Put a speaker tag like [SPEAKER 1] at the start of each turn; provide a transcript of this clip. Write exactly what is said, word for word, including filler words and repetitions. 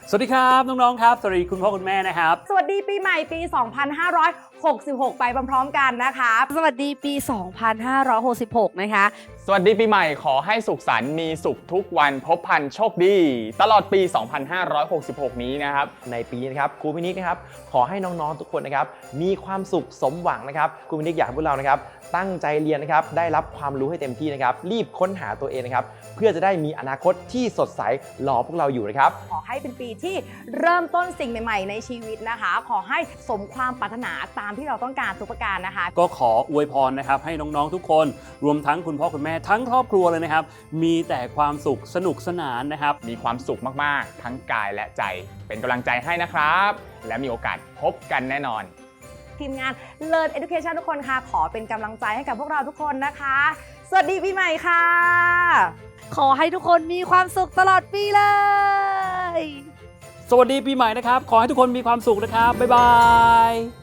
[SPEAKER 1] สวัสดีครับน้องๆครับสวัสดีคุณพ่อคุณแม่นะครับ
[SPEAKER 2] สวัสดีปีใหม่ปี สองพันห้าร้อยหกสิบหก ไปพร้อมๆกันนะคะ
[SPEAKER 3] สวัสดีปี สองพันห้าร้อยหกสิบหก นะคะ
[SPEAKER 4] สวัสดีปีใหม่ขอให้สุขสันต์มีสุขทุกวันพบพันโชคดีตลอดปี สองพันห้าร้อยหกสิบหก นี้นะครับ
[SPEAKER 5] ในปีนี้นะครับครูพินิจนะครับขอให้น้องๆทุกคนนะครับมีความสุขสมหวังนะครับครูพินิจอยากให้พวกเรานะครับตั้งใจเรียนนะครับได้รับความรู้ให้เต็มที่นะครับรีบค้นหาตัวเองนะครับเพื่อจะได้มีอนาคตที่สดใสรอพวกเราอยู่นะครับ
[SPEAKER 2] ขอให้เป็นปีที่เริ่มต้นสิ่งใหม่ๆในชีวิตนะคะขอให้สมความปรารถนาตามที่เราต้องการทุกประการนะคะ
[SPEAKER 1] ก็ขออวยพรนะครับให้น้องๆทุกคนรวมทั้งคุณพ่อคุณแม่ทั้งครอบครัวเลยนะครับมีแต่ความสุขสนุกสนานนะครับ
[SPEAKER 4] มีความสุขมากๆทั้งกายและใจเป็นกำลังใจให้นะครับและมีโอกาสพบกันแน่นอน
[SPEAKER 2] ทีมงาน Learn Education ทุกคนค่ะขอเป็นกำลังใจให้กับพวกเราทุกคนนะคะสวัสดีปีใหม่ค่ะ
[SPEAKER 3] ขอให้ทุกคนมีความสุขตลอดปีเลย
[SPEAKER 1] สวัสดีปีใหม่นะครับขอให้ทุกคนมีความสุขนะครับบ๊ายบาย